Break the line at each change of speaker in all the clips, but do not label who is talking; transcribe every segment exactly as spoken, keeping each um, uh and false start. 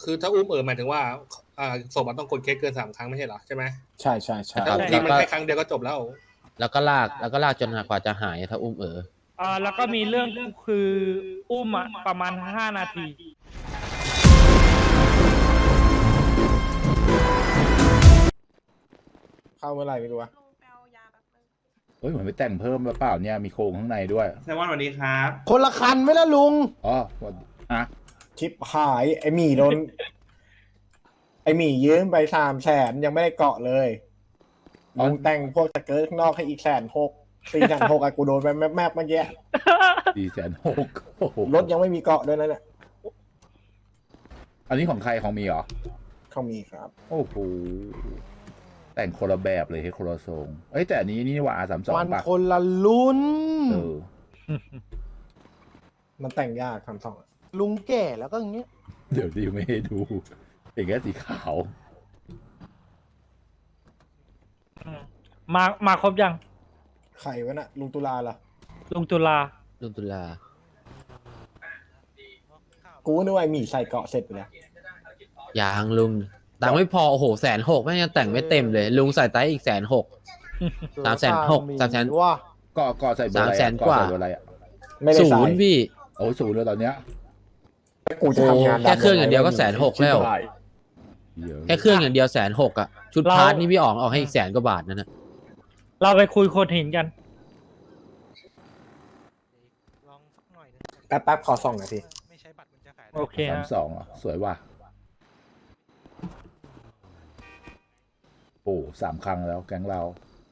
คือถ้าอุ้มเออหมายถึงว่าอ่าศพมันต้องกดเคสเกินสามครั้งไม่ใช่เหรอใช่ไหม
ใช่ใช่ใช่
ถ้าทีมันแค่ครั้งเดียวก็จบแล้ว
แล้วก็ลากแล้วก็ลากจนกว่าจะหายถ้าอุ้มเออ
อ่าแล้วก็มีเรื่องคืออุ้มอะประมาณห้านาที
เข้าเมื่อไหร่ไม่รู้วะ
เฮ้ยเหมือนไปแต่งเพิ่มหรือเปล่าเนี่ยมีโครงข้างในด้วย
แซมมอนสวัสดีครับ
คนละคันไหมล่ะลุง
อ๋ออ่ะ
ชิปหายไอหมีโดน ไอหมียืมไปสามแสนยังไม่ได้เกาะเลยลุงแต่งพวกสเกิร์ตข้างนอกให้อีกแสนหกสี่แสนหกอะกูโดนไปแมบๆเมื่อกี้
สี่แสนหก
รถยังไม่มีเกาะด้วยนะเนี่ย
อันนี้ของใครของมีเหรอ
เขามีครับ
โอ้โหแต่งคนละแบบเลยให้คนละทรงเอ้ยแต่อันนี้นี่ว่าอาสามสอง
มัน
ป่ะ
คนละรุ่น
เออ
มันแต่งยากคำสอง
ลุงแก่แล้วก็อย่างเงี้ย
เดี๋ยวดิไม่ให้ดูเป็นแค่สีขาว
มามาครบยัง
ใครวะน่ะลุงตุลาล่ะ
ลุงตุลา
ลุงตุลา
กูนึกว่าไอหมีใส่เกาะเสร็จไปแล้ว
อย่างลุงตังค์ไม่พอโอ้โหแสนหกแม่งยังแต่งไม่เต็มเลย ลุงใส่ไตอีกแสนหก สามแสนหกสามแสน
ว่า
ก็ก็ใส่เบอร์อะไร
สามแสน
อะ
กว่า
ใส่เบอร์อะไรอ่ะ
ไม่ได้
ศู
ใส่
นย์พี่
โอ้ยศูนย์เลยตอนเนี้ย
กูจะทำงาน
แค่เครื่องอย่างเดียวก็แสนหกแล้ว
เยอะ
แค่เครื่องอย่างเดียวแสนหกอ่ะ ชุด
เรา
พาร์ทนี่พี่อ๋องออกให้อีกแสนกว่าบาทนั่นนะ
เราไปคุยโคดหินกัน
แป๊บแป๊บๆขอส่องหน่อยที
โอเค
สาม
ฮะ
สองอ่ะสวยว่ะโอ้สามครั้งแล้วแก๊งเรา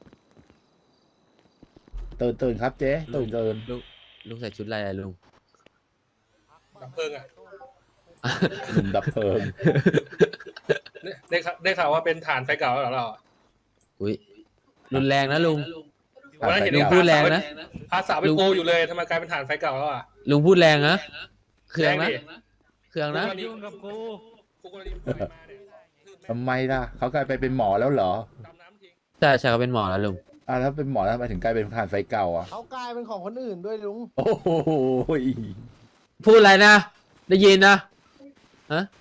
ตื่นตื่นครับเจ๊ตื่นตื่น
ลุงลุงใส่ชุดอะไรอะลุง
ดับเพลิงอ่ะ
หนุ่มดับเพลิง
ได้ข่าวได้ข่าวว่าเป็นฐานไฟเก่าแล้วเหรอเราอะ
อุ้ยรุนแรงนะลุง
วันนั้นเห็น
ลุงพูดแรงนะ
พาสาวไปโกอยู่เลยทำไมกลายเป็นฐานไฟเก่าแล้วอ่ะ
ลุงพูดแรงนะเครื่องนะ
แรงดิ
เครื่องนะ
ยุ่งกับกู
กูกรณีปล่อยมาเนี่ย
ทำไมล่ะเขากลายไปเป็นหมอแล้วเหรอ
ดำน้ำทิ้ง
ใช่ใช่เขาเป็นหมอแล้วลุง
อ่ะแล้วเป็นหมอแล้วทำไมถึงกลายเป็นผ่านไฟเก่าอ่ะ
เขากลายเป็นของคนอื่นด้วยลุง
โอ้โห
พูดอะไรนะ ได้ยินนะฮะ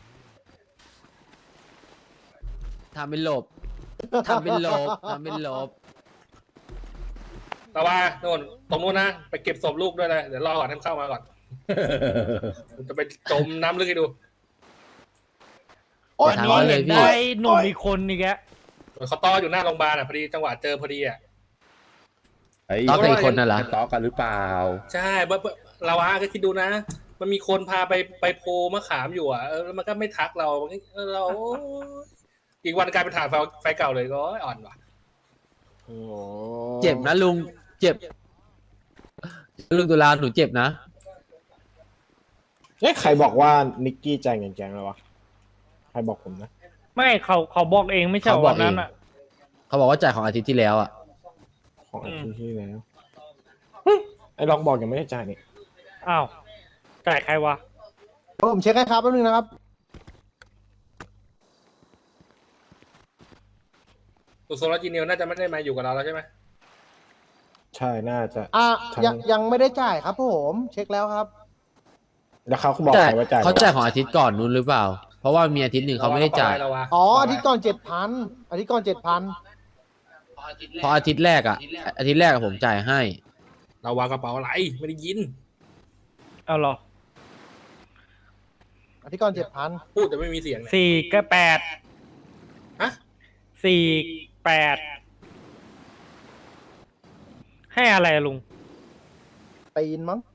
ทำเป็นหลบทำเป็นหลบทำเป็นหลบ
แต่ว่าโน่นตรงนู้นนะไปเก็บศพลูกด้วยเลยเดี๋ยวรอก่อนให้มันเข้ามาก่อนผมจะไปจมน้ำลึกให้ดู
โอ้ยนี่เห็นได้หนุ่มอีกคนนี่แก
เขาต้ออยู่หน้าโรงพยาบาลอ่ะพอดีจังหวะเจอพอดีอ่ะ
ไอ้
ต่อกับอีกคนน่ะเหรอ
จะต่อกันหรือเปล่า
ใช่เบอร์เราอะก็คิดดูนะ มันมีคนพาไปไปโพมะขามอยู่อ่ะเออแล้วมันก็ไม่ทักเราเออเราอีกวันกลายเป็นฐานไฟไฟเก่าเลยก็อ่อนว่ะ
โอ้
เจ็บนะลุงเจ็บลุงตุลาหนูเจ็บนะ
เอ๊ะใครบอกว่านิกกี้จ่ายเงินแกงแล้ววะใครบอกผมนะ
ไม่เขาเขาบอกเองไม่ใช่
เขาบอ
วั
ก
น
เอง
นั้นอ่ะ
เขาบอกว่าจ่ายของอาทิตย์ที่แล้วอ่ะ
ของอาทิตย์ที่แล้วไอ้ลองบอกยังไม่ได้จ่ายนี่
อ้าวจ่ายใครวะ
ผมเช็คให้ครับแป๊บนึงนะครับ
ตุโซลาจีเนียลน่าจะไม่ได้มาอยู่กับเราแล้วใช่ไหม
ใช่น่าจะ
อ่ะ
ใช่
ยังยังไม่ได้จ่ายครับผม เช็คแล้วครับ
แล้วเขาบอก
จ่าย
ใครว่าจ่าย
เขาจ่ายของอาทิตย์ก่อนนู้นหรือเปล่า เพราะว่ามีอาทิตย์หนึ่งเขาไม่ได้จ่าย
เราวะ
อ๋ออาทิตย์ก่อนเจ็ดพันอาทิตย์ก่อนเจ็ดพัน
เพราะอาทิตย์แรกอ่ะ อาทิตย์แรกอะผมจ่ายให้
เราวางกระเป๋าอะไรไม่ได้ยิน
เอาเหรอ
อาทิตย์ก่อนเจ็ดพัน
พูดแต่ไม่มีเสียงเนี่ย
สี่ก็แปด
ฮะ
สี่แปดให้อะไรอะลุง
ปีนมั้ง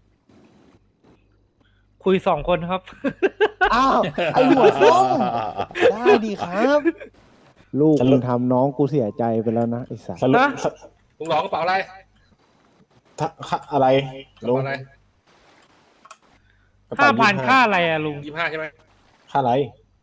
คุยสองคนครับ
อ้าว ไอหัวส้มได้ดีครับ ลูกมึงทำน้องกูเสียใจไปแล้วนะไอสัส
สรุป
ฮะ
ลุงหลอกกระเป๋าอะไร
ถ้าค่าอะไร
กระ
ลุง
เป๋าอะไร
กระ
ห้า
เป๋
พัน
ยี่สิบ
ค่าอะไรอะลุง
ยี่สิบห้าใช่ไหม
ค่าอะไร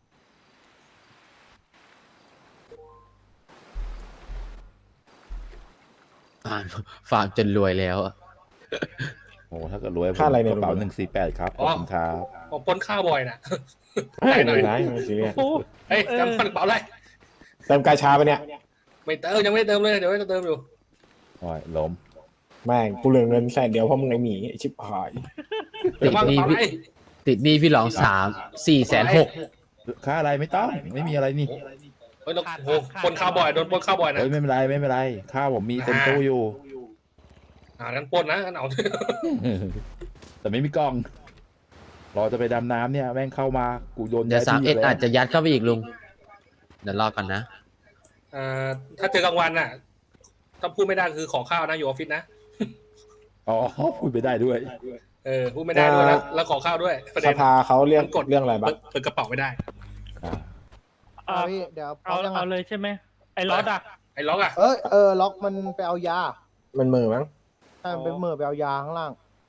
อ่านฝากจนรวยแล้วอะ
โอ้ถ้าเกิดรวย
ค่าอะไรเนี่ย
กระเป๋า
ลุง
หนึ่งสี่แปดครับขอบคุณครับ
ผมปนข้าวบ่อยนะ
ไม่
หน่อย
เป็นไรไม่ซีเรียส
โอ้
เฮ้ยจำฟันกระเป๋าอะไร
เติมกาชาไปเนี่ย
ไม่เติมยังไม่ได้เติมเลยเดี๋ยวจะเติมอยู่
โอ้ยล้ม
แม่งกูเหลือเงินแสนเดียวเพราะมึงไอหมีไอ้ชิบหาย
ติดหนี้พี่ติดหนี้พี่หลองสามสี่แสนหก
ค่าอะไรไม่ต้อง ไม่มีอะไรนี่
เฮ้ยเราโอ้โหปล้นข้าวบ่อยโดนปล้นข้าวบ่อยนะ
เฮ้ยไม่เป็นไรไม่เป็นไรข้าวผมมีเต็มตู้อยู่
อ่างั้นปล้นนะงั้นเอา
แต่ไม่มีกล้อง รอจะไปดำน้ำเนี่ยแม่งเข้ามากูโดน
เดี๋ยวสาม
ที่
เอ็ด
แล้ว
อาจจะยัดเข้าไปอีกลุง เดี๋ยวรอก่อนนะ
อ่าถ้าเจอกลางวันน่ะถ้าพูดไม่ได้คือขอข้าวนะอยู่ออฟฟิศนะ
อ๋อพูดไปได้ด้วย
เออพูดไม่ได้ด้วยแล้วแล้วขอข้าวด้วยประ
ส
เด็น
ภาเขาเรียก
มันกด
เรื่องอะไรบ้าง
เปิดกระเป๋าไม่ได้
อ่า
อ่า
เอาพี่เดี๋ยวพร้อ
เอา
มยัง
เอา
อ่ะ
เลยใช่ไหมไอ้ล็อตอ่ะ
ไอ้ล็อกอ่ะ
เอ้ยเออล็อกมันไปเอายา
มันมือมั้ง
ใช่มันเป็นมือไปเอายาข้างล่าง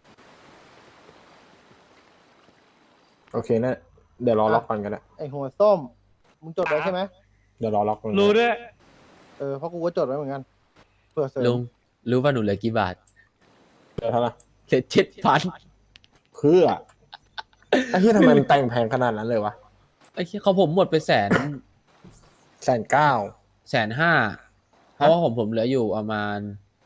โอเคนะเดี๋ยวรอล็อกกันกันแหละ
ไอหัวส้มมึงจดไว้ใช่ไหม
เดี๋ยวรอล็อกกัน
รู้ด้วย
เออเพราะกูก็จดไว้เหมือนกันเผื่อเสริม
ลุง รู้ว่าหนูเหลือกี่บาท
เดี๋ยวเท่าไหร่
เหลือเจ็ดพัน
เพื่อไอ้ที่ทำไมมันแต่งแพงขนาดนั้นเลยวะ
ไอ้ที่เขาผมหมดไปแสน
แสนเก้า
แสนห้า เพราะว่าผมผมเหลืออยู่ประมาณ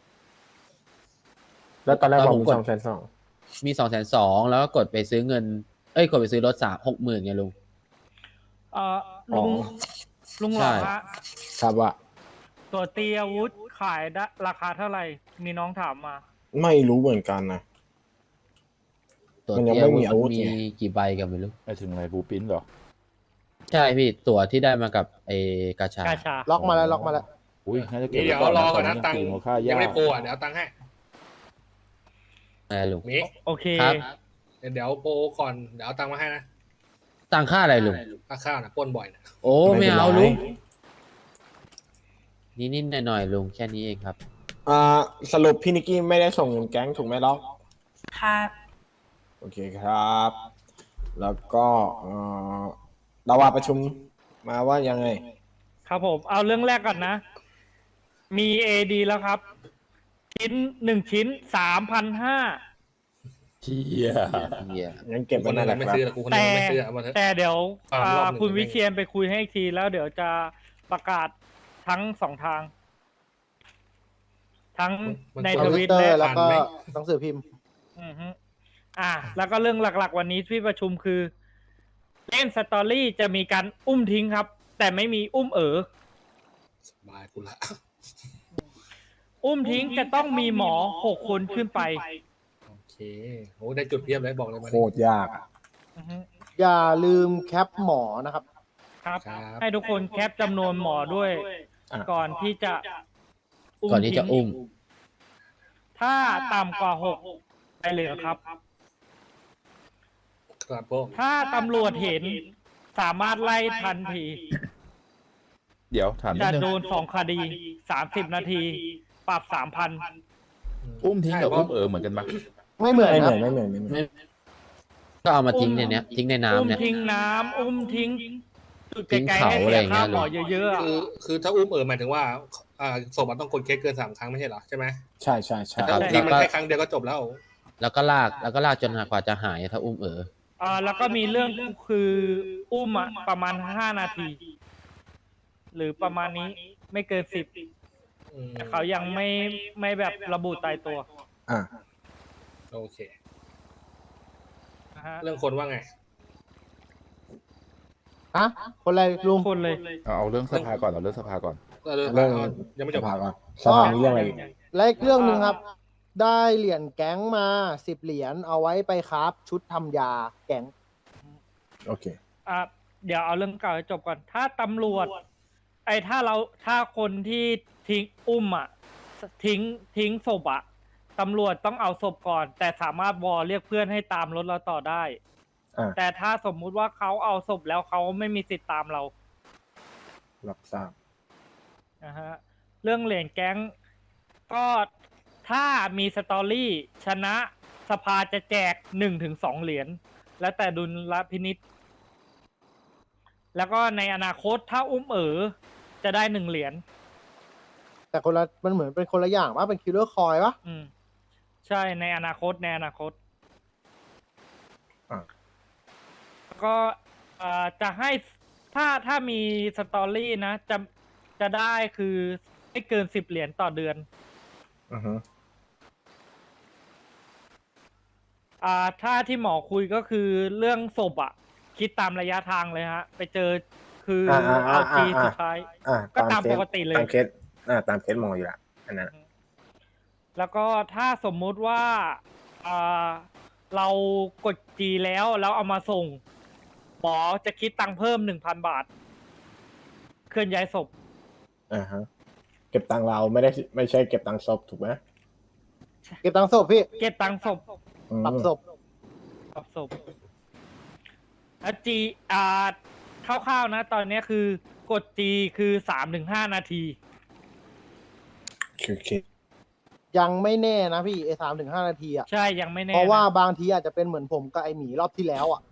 แล้วตอนแรก
ตอน
บอก
ผม
มี
กด
สองแสนสอง
มีสองแสนสองแล้วก็กดไปซื้อเงิน เอ้ย กดไปซื้อรถสามหกหมื่นไงลุง
เอ่อลุงลุงหลอ
ใช่
ฮะ
ครับว่า
ตัวตีอาวุธขายได้ราคาเท่าไหร่ มีน้องถามมา
ไม่รู้เหมือนกันนะ
ตัว
มันยัง
เตี้ย
ไม่มี
มัน
อาวุธ
มี
ไง
กี่ใบกันไม่รู้
ไปถึงอะไรบูปิ้นเหรอ
ใช่พี่ ตั๋วที่ได้มากับไอ้กาชา
กาชา
ล็อกมาแล้วล็อกมาแล้ว
อุ้ยน่าจะเก็บ
เดี๋ยว
ไว้
รอก่อนนะ
ต
ตังค์
ตีมูลค่า
ยั
ยาง ก
ไม่โปรอ่ะเดี๋ยวเอาตังค์ให้
อะไรลุง
มี
โอเค
ครับ
เดี๋ยวโปรก่อนเดี๋ยวเอาตังค์มาให้นะ
ตังค่าอะไรลุง
ค่าข้าวนะปล้นบ่อยนะ
โอ้ไม่เอา
เป็นไร
ลุงนิดๆหน่อยๆลุงแค่นี้เองครับ
อ่าสรุปพี่นิกกี้ไม่ได้ส่งเงินแก๊งถูกไหมล็อก
ค่ะ
โอเคครับ แล้วก็เอ่อเราว่าประชุมมาว่ายังไง
ครับผม เอาเรื่องแรกก่อนนะ มีเอดีแล้วครับ ชิ้นหนึ่งชิ้นสามพันห้า
เชี่ย
เหี้ย
งั้นเก็บ
ค
ไว้
นหนึ
นั่
ง
นแหละ
ไม่
ครับ
ซื้อแต่กูคนหนึ
แต่
งไม่ซื้อเอามาเถอะ
แต่เดี๋ยว
อ่ารอบหนึ่ง
อ่าคุณ
ไม่
วิเชียนไปคุยให้อีกทีแล้วเดี๋ยวจะประกาศทั้งสองทาง ทั้งใน
ท
ท
วิ
วิ
ต
ต
เตอ
และ
ร์แล้วก็
อ่านไหม
หนังสือพิมพ์
อือฮึอ่า แล้วก็เรื่องหลักๆ วันนี้ที่ประชุมคือ เล่นสตอรี่จะมีการอุ้มทิ้งครับ แต่ไม่มีอุ้มเอ๋อ
สบายกูละ
อุ้มทิ้งจะต้องมีหมอหกคนขึ้นไป
โอเคโอ้ได้จุดเพียบเลยบอกเลยมา
โคตรยากอะ
อือฮึ
อย่าลืมแคปหมอนะครับ
ครับ
ครับ
ให้ทุกคนแคปจำนวนหมอด้วย
อ่ะ
ก่อนที่จะ
ก่อนที่จะ
ทิ้ง
อุ้ม
ถ้าต่ำกว่าหกไปเหลือครับ
ครับผม
ถ้าตำรวจเห็นสามารถไล่ทันที
เดี๋ยวถามนิ
จะ
ดนึง
โดนสองคดีสามสิบนาที ปรับสามพัน
อุ้มทิ้งกับ
ใช่
อุ้มเออเหมือนกันปะ
ไม่เหมือน
ไม่เห
นะ
มือนไม่เหมือนไม่เหมือน
ไม่ ก็เอามาทิ้งในเนี้ย ทิ้งใน
อุ้ม
น้ำเนี่ย
ทิ้งน้ำอุ้มทิ้งจุด
ทิ้ง
ไกลๆ
เขา
ให้
อะไร
เสี
อย ย่างเงี้
ค่าย หมอเยอะๆอะ
คือคือถ้าอุ้มเออหมายถึงว่าอ่าศพมันต้องกดเคสเกินสามครั้งไม่ใช่เหรอใช่ไหม
ใช่ใช่ใช่
แต่ถ้าอุ้มทิ้งมันแค่ครั้งเดียวก็จบแล้ว
แล้วก็ลาก แล้วก็ลากจนกว่าจะหายถ้าอุ้มเออ
อ่าแล้วก็มีเรื่องคืออุ้มอะประมาณห้านาที หรือประมาณนี้ไม่เกินสิบ
อืม
เขายังไม่ไม่แบบระบุตายตัว
อ่ะ
โอเค
นะฮะ
เรื่องคนว่าไง
ฮะคนอะไรลุง
คนเลย
เอาเอาเรื่องสภาก่อนเอาเรื่องสภาก่อน
เรื่อง
เรื่อง
ยังไม่จบ
สภาก่อนสภานี้เรื่องอะไรอีก
และอีกเรื่องหนึ่งครับ ได้เหรียญแก๊งมาสิบเหรียญเอาไว้ไปครับชุดทำยาแก๊ง
โอเค
อ่ะเดี๋ยวเอาเรื่องเก่าให้จบก่อน ถ้าตำรวจ ไอ้ถ้าเราถ้าคนที่ทิ้งอุ้มอ่ะ ทิ้งทิ้งศพอ่ะตำรวจต้องเอาศพก่อน แต่สามารถวอลเรียกเพื่อนให้ตามรถเราต่อได้
อ่ะ
แต่ถ้าสมมุติว่าเขาเอาศพแล้วเขาไม่มีสิทธิ์ตามเรา
รับทราบ
นะฮะเรื่องเหรียญแก๊งก็ถ้ามีสตอรี่ชนะสภาจะแจกหนึ่งถึงสองเหรียญแล้วแต่ดุลพินิษแล้วก็ในอนาคตถ้าอุ้มเอ๋อจะได้หนึ่งเหรียญ
แต่คนละมันเหมือนเป็นคนละอย่างว่าเป็นคิลเลอร์คอยปะ
อืม ใช่ในอนาคตในอนาคต
อ่ะ
แล้วก็เอ่อจะให้ถ้าถ้ามีสตอรี่นะ จะจะได้คือไม่เกินสิบเหรียญต่อเดือน
อือฮึ
อ่าถ้าที่หมอคุยก็คือเรื่องศพอะคิดตามระยะทางเลยฮะ ไปเจอคืออา
อ่า
เอา
อ่า
จี
อ่า
สุดท้าย
อ่า
ก็ตาม
เคส
ปกติเลย
ตามเคสอ่าตามเคสมองอยู่ละอันนั้น
แล้วก็ถ้าสมมุติว่าอ่าเรากดจีแล้วแล้วเอามาส่งหมอจะคิดตังค์เพิ่มหนึ่งพันบาท เคลื่อนย้ายศพ
อ่าฮะเก็บตังค์เราไม่ได้ไม่ใช่เก็บตังค์ศพถูกไหม
เก็บตังค์ศพพี่
เก็บตังค์ศพ
อืม
ปรับศพ
ปรับศพแล้วจีอ่าคร่าวๆนะ ตอนนี้คือกดจีคือสามถึงห้านาที
โอเค
ยังไม่แน่นะพี่ไอ้สามถึงห้านาทีอ่ะ
ใช่ยังไม่แน่
เพราะว่า
นะ
บางทีอาจจะเป็นเหมือนผมกับไอหมีรอบที่แล้วอ่ะ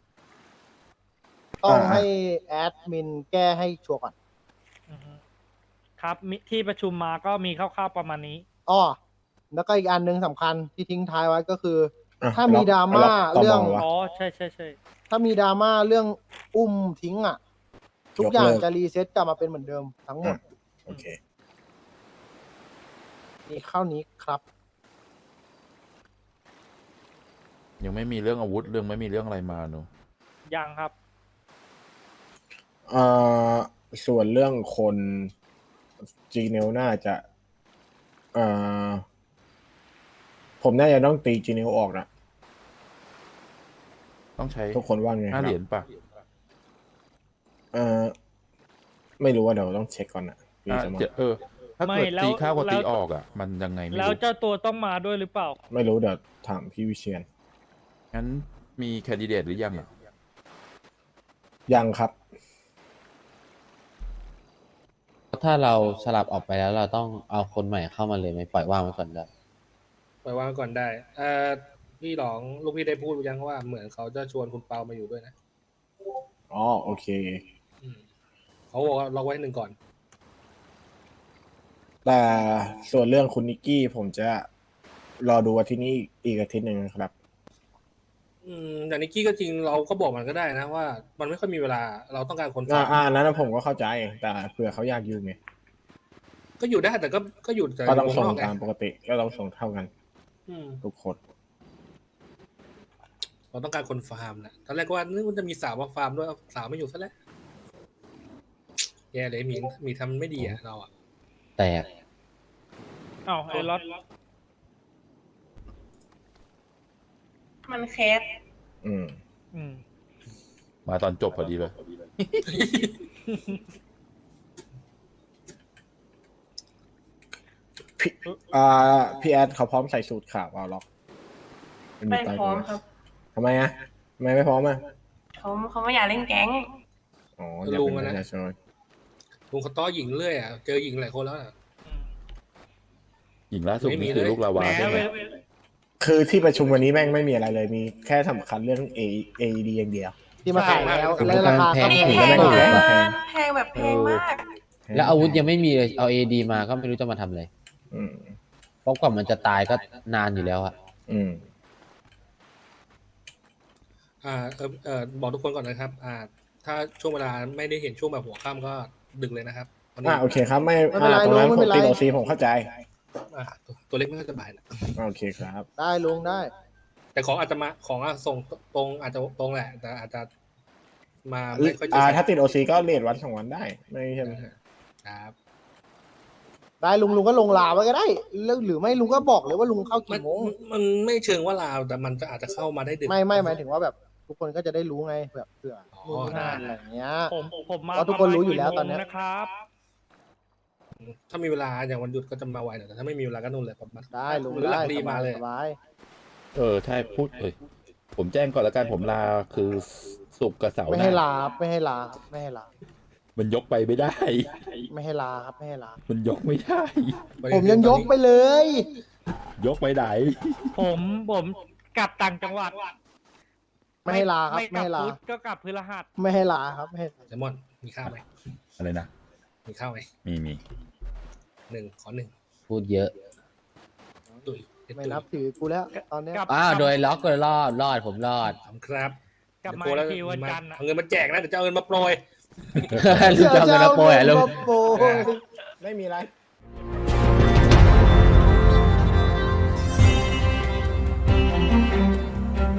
ต้อง
อ่า
ให้แอดมินแก้ให้ชัวร์ก่อน
อือฮึครับมิที่ประชุมมาก็มีคร่าวๆประมาณนี้
อ้อแล้วก็อีกอันหนึงสำคัญที่ทิ้งท้ายไว้ก็คือ
อ่ะ
ถ้ามี
ล็อก
ดราม่า
ล็อกต่อ
เรื่อง
มองวะ
อ๋อใช่ใช่ใช่
ถ้ามีดราม่าเรื่องอุ้มทิ้งอ่ะ ทุก
ยก
อย่าง
เลิก
จะรีเซ็ตกลับมาเป็นเหมือนเดิมทั้งหมด
โอเค
มีเข้านี้ครับ
ยังไม่มีเรื่องอาวุธเรื่องไม่มีเรื่องอะไรมาเนอะ
ยังครับ
เอ่อส่วนเรื่องคนจีเนลน่าจะเอ่อผมน่าจะต้องตีจีเนลออกนะ
ต้องใช้
ทุกคนว่าไงค
ห้า
รับ
เหรียญป่ะ
เอ่อไม่รู้ว่าเดี๋ยวต้องเช็คก่อนนะพี่
อ่ะ
สมอง
เจเออ ถ้า
ไม่
เกิด
แล้ว
ตีเข้ากับ
แล้ว
ตีออกอ่ะ มันยังไงไม่
แล้ว
รู้
เจ้าตัวต้องมาด้วยหรือเปล่า
ไม่รู้เดี๋ยวถามพี่วิเชียน
งั้นมีแคนดิเดตหรือยังอ่ะ
ยังครับ
ถ้าเราสลับออกไปแล้วเราต้องเอาคนใหม่เข้ามาเลยไหมปล่อยว่างไว้ก่อนได้
ปล่อยวางก่อนได้เอ่อพี่หลองลูกพี่ได้พูดยังว่าเหมือนเขาจะชวนคุณเปามาอยู่ด้วยนะ
อ๋อโอเค
อืมเขาบอกว่าล็อกไว้หนึ่งก่อน
แต่ส่วนเรื่องคุณนิกกี้ผมจะรอดูอาทิตย์นี้อีกอาทิตย์หนึ่งนะครับ
อืมอย่างนิกกี้ก็จริงเราก็บอกมันก็ได้นะว่า มันไม่ค่อยมีเวลาเราต้องการคน
อ่า
ฟัง
อ่าอันนั้นนะผมก็เข้าใจ แต่เผื่อเขาอยากอยู่ไง
ก็อยู่ได้แต่ก็ก็อยู่แต่
ก็ต้อง
วง
ส่ง
นอกไง
ตามปกติ ก็ต้องส่งเท่ากัน
อืม
ทุกคน
เราต้องการคนฟาร์มนะตอนแรกก็ว่านึกว่าจะมีสาวมาฟาร์มด้วยเอาสาวไม่อยู่ซะแล้วแย่เลยมีมีทำไม่ดีอ่ะเราอ่ะ
แตก
อ้าวไอ้ล็อต
มันเคส
อืม
อืม
มาตอนจบพอดีเลย
พี่อ่าพี่แอดเขาพร้อมใส่สูตรขาวเอาล็อก
ไม่
ตาย
พร้อม
ตัว
ครับ
ทำไมอ่ะทำไมไม่พร้อมอ่ะ
เขาเขาไม่อยากเล่นแก๊ง
อ๋ออยากเป็นประชาชน
ลุงเขาต้อหญิงเรื่อยอ่ะเจอหญิงหลายคนแล้วอะ
หญิงล่าสุด
ไม่มี
นี่คือ
เลย
ลูกลาวา
แหม
ใช่ไหม
เวล
คือที่ประชุมวันนี้แม่งไม่มีอะไรเลย มีแค่สำคัญเรื่อง A A D อย่างเดียว
ที่มาขายแล้ว
ใช่
และราคา
แพ
ก็
ง
นี่
แพ
แพ
ง
ง
ไม่
นะ
แพง
แพงแบบแพงมาก
แล้วอาวุธยังไม่มีเลยเอาเอดีมาก็ไม่รู้จะมาทำอะไร
อืม
เพราะกว่ามันจะตายก็นานอยู่แล้วอะ
อืม
อ่าเออเออบอกทุกคนก่อนนะครับ อ่า ถ้าช่วงเวลาไม่ได้เห็นช่วงแบบหัวค่ำก็ดึกเลยนะครับวันนี้
อ่าโอเคครับ ไม่
ไม่เป็นไร
อ่าตรงนั้น
ลุง
ผ
ไม่
ม
เป็นไร
ติดโอซีผมเข้าใจ
อ่าตัวตัวเล็กไม่ค่อยสบายนะ
โอเคครับ
ได้ลุงได้
แต่ของอาจจะมาของอ่ะส่งตรงอาจจะตรงแหละ แต่อาจจะมาไม่ค่อยเจอ
อ่า
กัน
ถ้าติดโอซีก็เลทวันสองวันได้ ไม่ใช่ไหม
ครับ
ได้ลุงลุงก็ลงลาไว้ก็ได้แล้วหรือไม่ลุงก็บอกเลยว่าลุงเข้า
มัน
กี่โมง
มันไม่เชิงว่าลาวแต่มันจะอาจจะเข้ามาได้ดึก
ไม่ไม่หมายถึงว่าแบบทุกคนก็จะได้รู้ไงแบบเผื่อ
อ๋อ
นู่นนี่นั่น
ได้
อะไรอย่างเงี้ย
ผมผมมา
เพราะทุกคนรู้อยู่แล้ว
ประมาณ
ตอนเนี้ย
กี่โมงนะครับ
ถ้ามีเวลาอย่างวันหยุดก็จะมาไวหน่อยแต่ถ้าไม่มีเวลาก็นู่นเลยประมาณ
ได้ลุง
หรือห
ได้
ลังรี
ส
มา
บาย
เลย
สบาย
เออใช่พูดเอ้ยผมแจ้งก่อนแล้วกันผมลาคือศุกร์กับเสาร์
ไม่
ห
ให้
น้า
ลาครับไม่ให้ลาครับไม่ให้ลา
มันยกไปไม่ได้
ไม่ให้ลาครับไม่ให้ลา
มันยกไม่ได้
ผมยังยกไปเลย
ยกไปไหน
ผมผมกลับต่างจังหวัด
ไม่ให้ลาครับ
ไม่
ไม่
กลั
ให้ลา
พุธก็กลับพฤหัส
ไม่ให้ลาครับไม่ให้
แซลมอนมีข้าวไหม
อะไรนะ
มีข้าวไหม
มีมี
หนึ่งขอหนึ่ง
พูดเยอะ
ตุยเด็ด
ไม่
ตุย
นับถือกูแล้วตอนเนี้ย
กลับ
อ้าวโดยล็อกก็รอดรอดผมรอด
ขอบคุณครับ
กลับมา
เดี๋ยว
อีกทีวันจันทร์อะ
เอาเงินมาแจกนะเดี๋ยวจะเอาเงินมาโปรย
ลุงจะเอาเงินมาโปรยเหรอลุง
มาโปรย
ไม่มีอะไร